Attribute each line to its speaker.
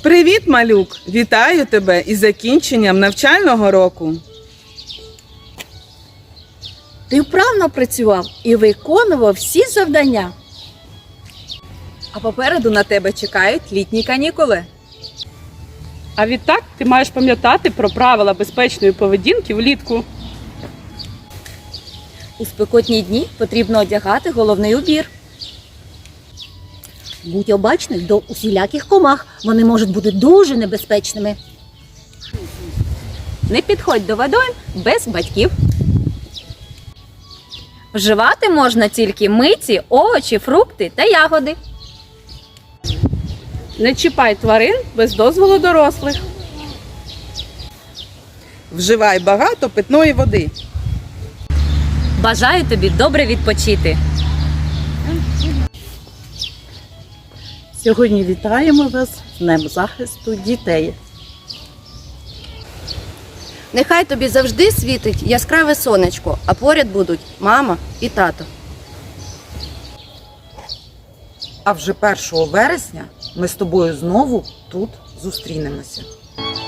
Speaker 1: Привіт, малюк! Вітаю тебе із закінченням навчального року.
Speaker 2: Ти вправно працював і виконував всі завдання.
Speaker 3: А попереду на тебе чекають літні канікули.
Speaker 4: А відтак ти маєш пам'ятати про правила безпечної поведінки влітку.
Speaker 2: У спекотні дні потрібно одягати головний убір.
Speaker 5: Будь обачний до усіляких комах, вони можуть бути дуже небезпечними.
Speaker 3: Не підходь до водойм без батьків. Вживати можна тільки миті, овочі, фрукти та ягоди.
Speaker 4: Не чіпай тварин без дозволу дорослих.
Speaker 1: Вживай багато питної води.
Speaker 3: Бажаю тобі добре відпочити.
Speaker 6: Сьогодні вітаємо вас з Днем захисту дітей.
Speaker 7: Нехай тобі завжди світить яскраве сонечко, а поряд будуть мама і тато.
Speaker 8: А вже 1 вересня ми з тобою знову тут зустрінемося.